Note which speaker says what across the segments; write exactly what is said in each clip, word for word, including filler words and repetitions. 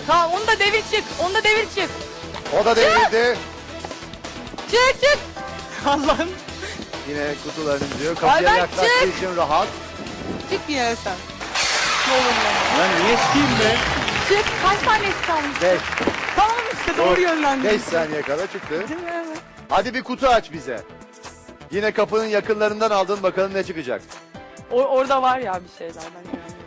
Speaker 1: Tamam onu da devir çık. Onu da devir çık.
Speaker 2: O da devrildi.
Speaker 1: Çık çık. Allah'ım.
Speaker 2: Yine kutularını diyor. Kapıya
Speaker 1: Ayberk,
Speaker 2: yaklaştığı
Speaker 1: çık.
Speaker 2: için rahat.
Speaker 1: Çık yine sen. Ne olur ne.
Speaker 3: Ben niye çıkayım be?
Speaker 1: Çık. Kaç saniyesi kalmış?
Speaker 2: Beş.
Speaker 1: Tamam işte doğru yönlendim.
Speaker 2: Beş saniye kadar çıktı.
Speaker 1: Değil mi? Evet.
Speaker 2: Hadi bir kutu aç bize. Yine kapının yakınlarından aldın, bakalım ne çıkacak.
Speaker 1: O, orada var ya bir şeyler. Ben inanıyorum.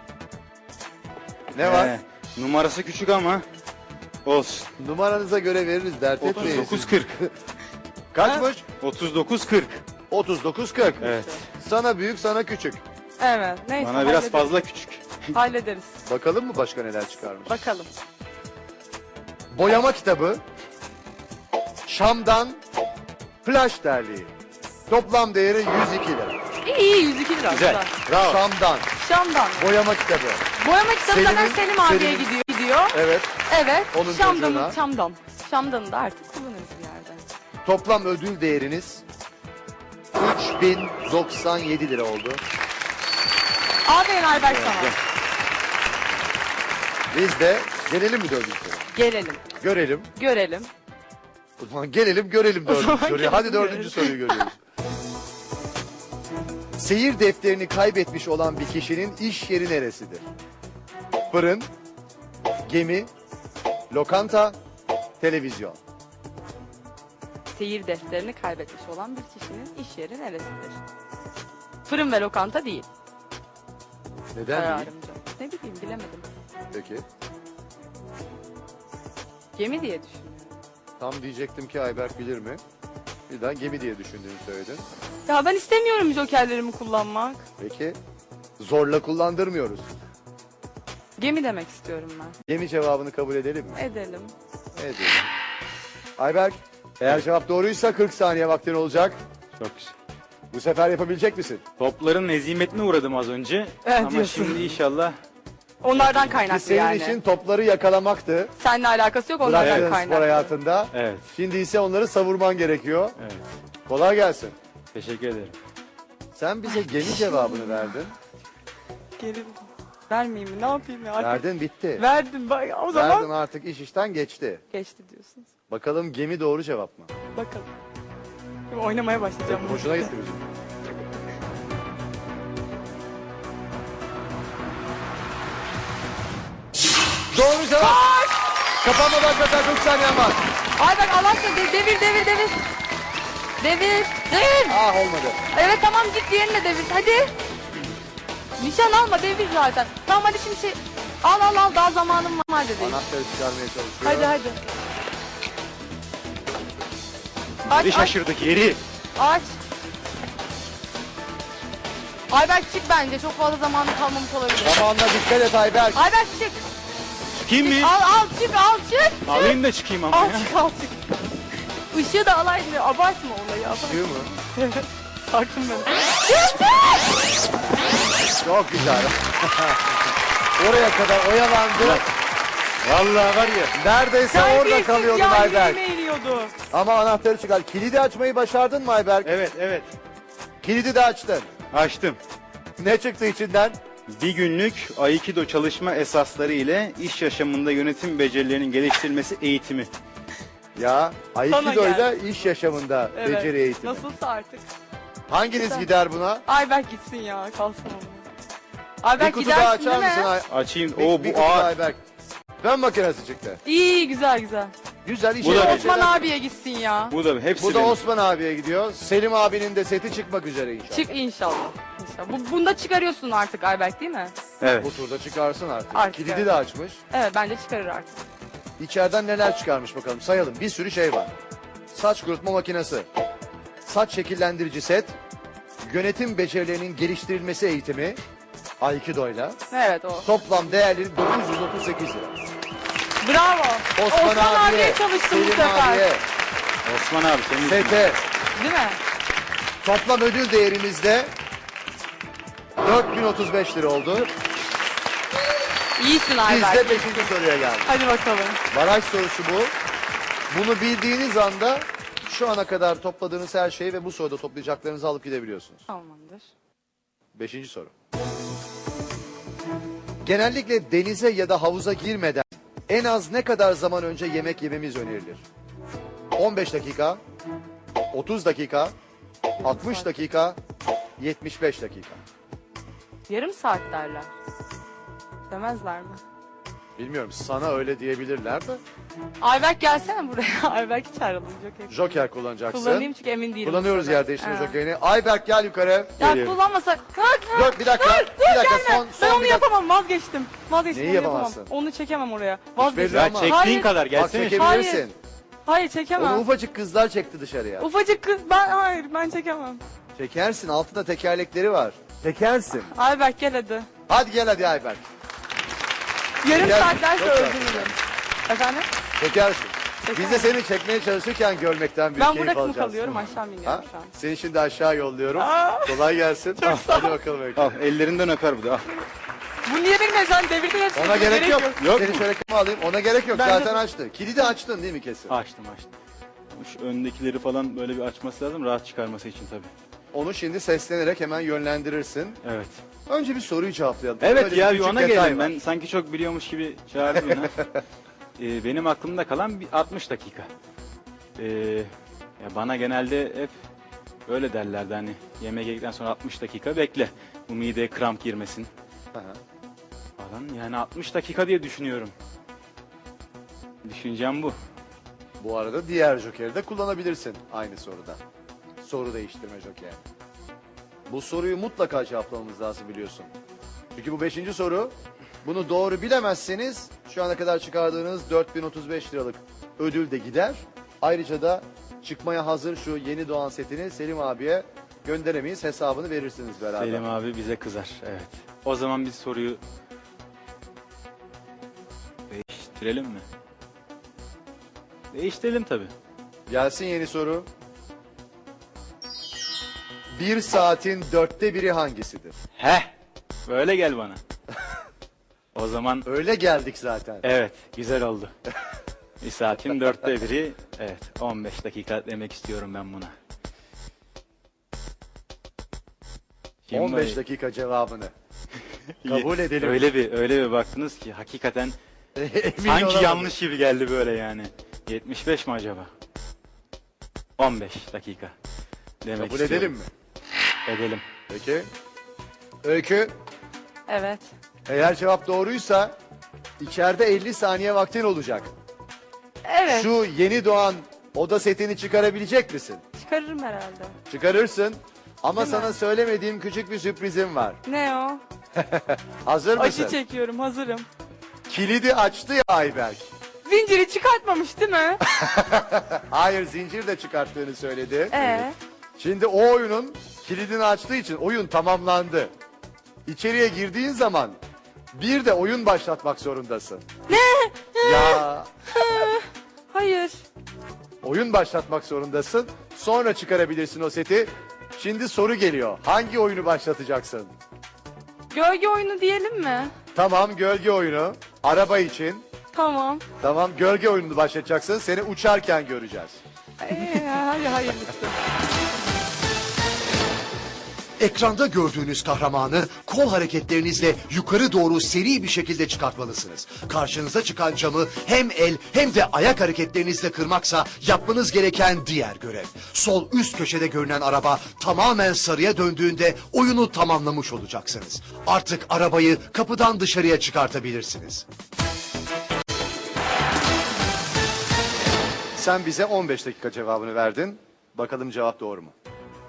Speaker 2: Ne var?
Speaker 3: Ee, numarası küçük ama olsun.
Speaker 2: Numaranıza göre veririz, dert
Speaker 3: otuz
Speaker 2: etmeyin.
Speaker 3: dokuz kırk.
Speaker 2: Kaçmış?
Speaker 3: otuz dokuz kırk.
Speaker 2: otuz dokuz kırk.
Speaker 3: Evet.
Speaker 2: Sana büyük, sana küçük.
Speaker 1: Evet. Neyse.
Speaker 3: Bana biraz
Speaker 1: hallederiz.
Speaker 3: fazla küçük.
Speaker 1: Hallederiz.
Speaker 2: Bakalım mı başka neler çıkarmış?
Speaker 1: Bakalım.
Speaker 2: Boyama kitabı. Şam'dan Flash terliği. Toplam değeri yüz iki lira.
Speaker 1: İyi iyi yüz iki lira.
Speaker 3: Güzel.
Speaker 2: Bravo. Şam'dan
Speaker 1: Şam'dan.
Speaker 2: boyama kitabı.
Speaker 1: Boyama kitabı zaten
Speaker 2: Selim'in-
Speaker 1: Selim abiye
Speaker 2: Selim'in-
Speaker 1: gidiyor. gidiyor.
Speaker 2: Evet.
Speaker 1: Evet.
Speaker 2: Onun
Speaker 1: Şam'dan,
Speaker 2: çocuğuna.
Speaker 1: Şam'dan. Şam'dan'ı da artık kullanırız bir yerde.
Speaker 2: Toplam ödül değeriniz üç bin doksan yedi lira oldu.
Speaker 1: Aferin Ayberk sana.
Speaker 2: Biz de gelelim mi dördüncü soruya?
Speaker 1: Gelelim.
Speaker 2: Görelim.
Speaker 1: Görelim.
Speaker 2: O zaman gelelim görelim dördüncü
Speaker 1: zaman
Speaker 2: soruyu.
Speaker 1: gelelim,
Speaker 2: Hadi dördüncü
Speaker 1: görelim.
Speaker 2: soruyu görüyoruz. Seyir defterini kaybetmiş olan bir kişinin iş yeri neresidir? Fırın, gemi, lokanta, televizyon.
Speaker 1: Seyir defterini kaybetmiş olan bir kişinin iş yeri neresidir? Fırın ve lokanta değil.
Speaker 2: Neden değil?
Speaker 1: Kararımca. Ne bileyim bilemedim.
Speaker 2: Peki.
Speaker 1: Gemi diye düşünüyorum.
Speaker 2: Tam diyecektim ki Ayberk bilir mi? Birden gemi diye düşündüğünü söyledin.
Speaker 1: Ya ben istemiyorum jokerlerimi kullanmak.
Speaker 2: Peki. Zorla kullandırmıyoruz.
Speaker 1: Gemi demek istiyorum ben.
Speaker 2: Gemi cevabını kabul edelim mi?
Speaker 1: Edelim.
Speaker 2: Edelim. Ayberk, eğer cevap doğruysa kırk saniye vaktin olacak.
Speaker 3: Çok güzel.
Speaker 2: Bu sefer yapabilecek misin?
Speaker 3: Topların hezimetine uğradım az önce.
Speaker 1: Evet,
Speaker 3: ama
Speaker 1: diyorsun.
Speaker 3: şimdi inşallah
Speaker 1: Onlardan
Speaker 2: Biz
Speaker 1: kaynaklı
Speaker 2: senin
Speaker 1: yani.
Speaker 2: için topları yakalamaktı.
Speaker 1: Seninle alakası yok onlardan
Speaker 2: Bıraktığın spor
Speaker 1: kaynaklı.
Speaker 2: hayatında.
Speaker 3: evet.
Speaker 2: Şimdi ise onları savurman gerekiyor.
Speaker 3: Evet.
Speaker 2: Kolay gelsin.
Speaker 3: Teşekkür ederim.
Speaker 2: Sen bize gemi cevabını verdin.
Speaker 1: Geri vermeyeyim mi? Ne yapayım ya? Artık
Speaker 2: Verdin bitti.
Speaker 1: verdim. Bak, o zaman
Speaker 2: Verdin artık iş işten geçti.
Speaker 1: geçti diyorsunuz.
Speaker 2: Bakalım gemi doğru cevap mı?
Speaker 1: Bakalım. Şimdi oynamaya başlayacağım.
Speaker 2: Hoşuna gitti bizim. Doğru cevap. Kapanma başlatan kırk saniyen var.
Speaker 1: Ay bak Allah aşkına de- devir devir devir. Devir. Devir.
Speaker 2: Ah olmadı.
Speaker 1: Evet tamam git diğerine devir. Hadi. Nişan alma devir zaten. Tamam hadi şimdi şey. Al al al daha zamanım var dedi.
Speaker 2: Anahtarı çıkarmaya çalışıyor.
Speaker 1: Hadi hadi. Aç
Speaker 3: Yeri
Speaker 1: aç
Speaker 3: şaşırdık yeri.
Speaker 1: aç. Ayberk çık bence çok fazla zamanı kalmamış olabilir.
Speaker 2: Zamanla dikkat et Ayberk.
Speaker 1: Ayberk çık.
Speaker 3: Çıkayım mı?
Speaker 1: Al al çık al çık.
Speaker 3: Alayım da çıkayım ama
Speaker 1: Al
Speaker 3: ya.
Speaker 1: çık al çık. Işığı da alaydın. Abartma olayı. Abartma.
Speaker 2: Çıkıyor mu?
Speaker 1: Taktım ben.
Speaker 2: Çok güzel. Oraya kadar oyalandı. Vallahi var ya. Neredeyse orada
Speaker 1: Terbiyesiz
Speaker 2: kalıyordun
Speaker 1: ya,
Speaker 2: Ayberk.
Speaker 1: yüreğime iniyordu.
Speaker 2: Ama anahtarı çıkar. Kilidi açmayı başardın mı Ayberk?
Speaker 3: Evet evet.
Speaker 2: Kilidi de açtın.
Speaker 3: Açtım.
Speaker 2: Ne çıktı içinden?
Speaker 3: Bir günlük Aikido çalışma esasları ile iş yaşamında yönetim becerilerinin geliştirilmesi eğitimi.
Speaker 2: Ya
Speaker 1: Sana
Speaker 2: Aikido'yla iş yaşamında
Speaker 1: Evet.
Speaker 2: beceri eğitimi.
Speaker 1: Nasılsa artık.
Speaker 2: Hanginiz
Speaker 1: Güzel.
Speaker 2: gider buna?
Speaker 1: Ayberk gitsin ya. Kalsın ama.
Speaker 2: Bir
Speaker 1: Ayberk
Speaker 2: kutu daha
Speaker 1: gidersin
Speaker 2: açar
Speaker 1: değil
Speaker 2: mısın?
Speaker 1: mi?
Speaker 2: Ay-
Speaker 3: Açayım.
Speaker 2: Bir,
Speaker 3: O
Speaker 2: bir
Speaker 3: bu
Speaker 2: kutu daha
Speaker 3: ağır.
Speaker 2: Ayberk. Fön makinesi çıktı.
Speaker 1: İyi güzel güzel.
Speaker 2: Güzel iş
Speaker 3: Bu da
Speaker 2: yapıyor.
Speaker 3: bir-
Speaker 1: Osman abiye gitsin ya.
Speaker 3: Bu da hepsi
Speaker 2: Bu da
Speaker 3: benim.
Speaker 2: Osman abiye gidiyor. Selim abinin de seti çıkmak üzere inşallah.
Speaker 1: Çık inşallah. İnşallah. Bu, bunda çıkarıyorsun artık Ayberk değil mi?
Speaker 3: Evet.
Speaker 2: Bu turda çıkarsın artık.
Speaker 1: Artık
Speaker 2: Kilidi
Speaker 1: evet.
Speaker 2: de açmış.
Speaker 1: Evet bence çıkarır artık.
Speaker 2: İçeriden neler çıkarmış bakalım sayalım. Bir sürü şey var. Saç kurutma makinesi, saç şekillendirici set, yönetim becerilerinin geliştirilmesi eğitimi, Aikido'yla.
Speaker 1: Evet o.
Speaker 2: Toplam değerleri dokuz yüz otuz sekiz lira.
Speaker 1: Bravo.
Speaker 2: Osman, abiye,
Speaker 1: abiye çalıştım bu
Speaker 2: Selim
Speaker 1: sefer.
Speaker 2: abiye,
Speaker 3: Osman abi senin
Speaker 2: sete.
Speaker 1: Değil mi?
Speaker 2: Toplam ödül değerimizde dört bin otuz beş lira oldu.
Speaker 1: İyisin
Speaker 2: Biz
Speaker 1: Ayberk.
Speaker 2: de beşinci soruya geldik.
Speaker 1: Hadi bakalım.
Speaker 2: Baraj sorusu bu. Bunu bildiğiniz anda şu ana kadar topladığınız her şeyi ve bu soruda toplayacaklarınızı alıp gidebiliyorsunuz.
Speaker 1: Tamamdır.
Speaker 2: Beşinci soru. Genellikle denize ya da havuza girmeden en az ne kadar zaman önce yemek yememiz önerilir? on beş dakika, otuz dakika, altmış dakika, yetmiş beş dakika.
Speaker 1: Yarım saat derler. Demezler mi?
Speaker 2: Bilmiyorum, sana öyle diyebilirler de.
Speaker 1: Ayberk gelsene buraya. Ayberk hiç ayrılın. Joker.
Speaker 2: Joker kullanacaksın.
Speaker 1: Kullanayım çünkü emin değilim.
Speaker 2: Kullanıyoruz
Speaker 1: bu sefer.
Speaker 2: yer değiştirme
Speaker 1: Ha.
Speaker 2: jokerini. Ayberk gel yukarı.
Speaker 1: Ya
Speaker 3: Geliyorum.
Speaker 1: kullanmasak.
Speaker 2: Dur bir dakika.
Speaker 1: Dur,
Speaker 2: bir dakika
Speaker 1: gelme.
Speaker 2: son, son
Speaker 1: Ben onu
Speaker 2: bir dakika.
Speaker 1: yapamam, vazgeçtim. Vazgeçtim,
Speaker 2: Neyi
Speaker 1: onu yapamam.
Speaker 2: yapamazsın?
Speaker 1: Onu çekemem oraya.
Speaker 2: belli
Speaker 1: Vazgeçtim.
Speaker 3: Ya
Speaker 2: ama.
Speaker 3: çektiğin
Speaker 1: Hayır.
Speaker 3: kadar
Speaker 2: Bak
Speaker 3: gelsene.
Speaker 2: çekebilirsin.
Speaker 1: Hayır. Hayır
Speaker 2: Onu
Speaker 1: çekemem.
Speaker 2: ufacık kızlar çekti dışarıya.
Speaker 1: Ufacık kız, ben hayır ben çekemem.
Speaker 2: Çekersin, altında tekerlekleri var. Çekersin.
Speaker 1: Ayberk gel hadi.
Speaker 2: Hadi gel hadi Ayberk.
Speaker 1: Yarım
Speaker 2: Çeker-
Speaker 1: saat derse
Speaker 2: Çok
Speaker 1: öldürürüm. Efendim?
Speaker 2: Çekersin.
Speaker 1: Çeker.
Speaker 2: Biz de seni çekmeye çalışırken görmekten büyük
Speaker 1: Ben
Speaker 2: keyif
Speaker 1: burada mı
Speaker 2: alacağız.
Speaker 1: kalıyorum, aşağı mı
Speaker 2: Ha?
Speaker 1: iniyorum şu an?
Speaker 2: Seni şimdi aşağı yolluyorum.
Speaker 1: Aa.
Speaker 2: Kolay gelsin. Ah, hadi bakalım Öykü.
Speaker 3: Al ellerinden öper bu da. Al.
Speaker 1: Bu niye benim sen devirdin hepsini.
Speaker 2: Ona gerek yok.
Speaker 3: Yok
Speaker 2: Seni
Speaker 3: mu?
Speaker 2: şöyle kıma alayım. Ona gerek yok.
Speaker 1: Ben de-
Speaker 2: Zaten açtı. Kilidi açtın değil mi kesin?
Speaker 3: Açtım açtım. Şu öndekileri falan böyle bir açması lazım rahat çıkarması için tabii.
Speaker 2: Onu şimdi seslenerek hemen yönlendirirsin.
Speaker 3: Evet.
Speaker 2: Önce bir soruyu cevaplayalım.
Speaker 3: Evet
Speaker 2: Böyle
Speaker 3: ya
Speaker 2: bir
Speaker 3: bir
Speaker 2: küçük
Speaker 3: ona
Speaker 2: detay
Speaker 3: gelelim.
Speaker 2: var.
Speaker 3: Ben sanki çok biliyormuş gibi çağırdım beni. Ee, benim aklımda kalan bir altmış dakika. Ee, ya bana genelde hep öyle derlerdi hani yemek yedikten sonra altmış dakika bekle. Bu mideye kramp girmesin
Speaker 2: Aha.
Speaker 3: falan. Yani altmış dakika diye düşünüyorum. Düşüncem bu.
Speaker 2: Bu arada diğer jokeri de kullanabilirsin aynı soruda. Soru değiştirme jokeri. Bu soruyu mutlaka cevaplamamız lazım biliyorsun. Çünkü bu beşinci soru. Bunu doğru bilemezseniz şu ana kadar çıkardığınız dört bin otuz beş liralık ödül de gider. Ayrıca da çıkmaya hazır şu yeni doğan setini Selim abiye gönderemeyiz. Hesabını verirsiniz beraber.
Speaker 3: Selim abi bize kızar. Evet. O zaman biz soruyu değiştirelim mi? Değiştirelim tabii.
Speaker 2: Gelsin yeni soru. Bir saatin dörtte biri hangisidir?
Speaker 3: Heh. Böyle gel bana. O zaman
Speaker 2: Öyle geldik zaten.
Speaker 3: evet güzel oldu. Bir saatin dörtte biri. Evet on beş dakika demek istiyorum ben buna. Şimdi
Speaker 2: on beş
Speaker 3: böyle-
Speaker 2: dakika cevabını. kabul edelim.
Speaker 3: Öyle bir öyle bir baktınız ki hakikaten
Speaker 2: Emin
Speaker 3: sanki
Speaker 2: olamadım.
Speaker 3: yanlış gibi geldi böyle yani. yetmiş beş mi acaba? on beş dakika. Demek
Speaker 2: Kabul
Speaker 3: istiyorum.
Speaker 2: edelim mi?
Speaker 3: Edelim.
Speaker 2: Peki. Öykü,
Speaker 1: Evet.
Speaker 2: eğer cevap doğruysa içeride elli saniye vaktin olacak.
Speaker 1: Evet.
Speaker 2: Şu yeni doğan oda setini çıkarabilecek misin?
Speaker 1: Çıkarırım herhalde.
Speaker 2: Çıkarırsın. Ama
Speaker 1: Değil mi?
Speaker 2: sana söylemediğim küçük bir sürprizim var.
Speaker 1: Ne o?
Speaker 2: Hazır mısın?
Speaker 1: Acı çekiyorum, hazırım.
Speaker 2: Kilidi açtı ya Ayberk.
Speaker 1: Zinciri çıkartmamış değil mi?
Speaker 2: Hayır, zincir de çıkarttığını söyledi.
Speaker 1: Ee?
Speaker 2: Şimdi o oyunun kilidini açtığı için oyun tamamlandı. İçeriye girdiğin zaman bir de oyun başlatmak zorundasın.
Speaker 1: Ne?
Speaker 2: Ya
Speaker 1: Hayır.
Speaker 2: oyun başlatmak zorundasın. Sonra çıkarabilirsin o seti. Şimdi soru geliyor. Hangi oyunu başlatacaksın?
Speaker 1: Gölge oyunu diyelim mi?
Speaker 2: Tamam, gölge oyunu. Araba için.
Speaker 1: Tamam.
Speaker 2: Tamam, gölge oyununu başlatacaksın. Seni uçarken göreceğiz.
Speaker 1: Ee, hadi hayırlısı.
Speaker 4: Ekranda gördüğünüz kahramanı kol hareketlerinizle yukarı doğru seri bir şekilde çıkartmalısınız. Karşınıza çıkan camı hem el hem de ayak hareketlerinizle kırmaksa yapmanız gereken diğer görev. Sol üst köşede görünen araba tamamen sarıya döndüğünde oyunu tamamlamış olacaksınız. Artık arabayı kapıdan dışarıya çıkartabilirsiniz.
Speaker 2: Sen bize on beş dakika cevabını verdin. Bakalım cevap doğru mu?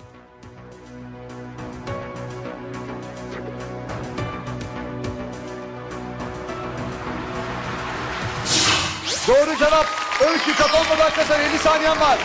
Speaker 2: Doğru cevap. Öykü kapanma başlasın. elli saniyen var.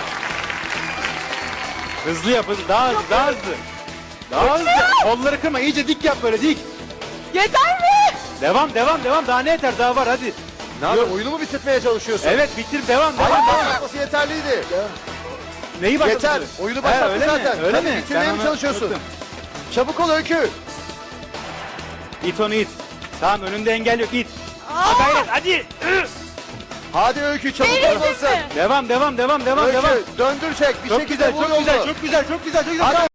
Speaker 3: Hızlı yap hızlı. Daha hızlı daha hızlı. Daha hızlı. Kolları kırma iyice dik yap böyle dik.
Speaker 1: Yeter mi?
Speaker 3: Devam devam devam daha ne yeter daha var hadi.
Speaker 2: Ne yapıyorsun? Oyunu mu bitirmeye çalışıyorsun?
Speaker 3: Evet bitir devam devam.
Speaker 2: Hayır,
Speaker 3: devam.
Speaker 2: başlatması yeterliydi.
Speaker 3: Neyi başladın?
Speaker 2: Yeter. Oyunu
Speaker 3: He,
Speaker 2: başlattın
Speaker 3: öyle
Speaker 2: zaten.
Speaker 3: Mi? Öyle
Speaker 2: Tabii
Speaker 3: mi?
Speaker 2: bitirmeye
Speaker 3: Ben
Speaker 2: mi
Speaker 3: onu
Speaker 2: çalışıyorsun?
Speaker 3: unuttum.
Speaker 2: Çabuk ol Öykü.
Speaker 3: İt onu it. Tamam önünde engel yok it. Ha, gayret hadi.
Speaker 2: Hadi Öykü, çabuk
Speaker 1: Verildi
Speaker 2: olmalısın.
Speaker 1: mi?
Speaker 3: Devam devam devam devam
Speaker 2: Öykü
Speaker 3: devam.
Speaker 2: döndürecek. Bir
Speaker 3: Çok
Speaker 2: şekilde
Speaker 3: güzel
Speaker 2: vur
Speaker 3: çok güzel
Speaker 2: yolunu.
Speaker 3: çok güzel çok güzel çok güzel.
Speaker 2: Hadi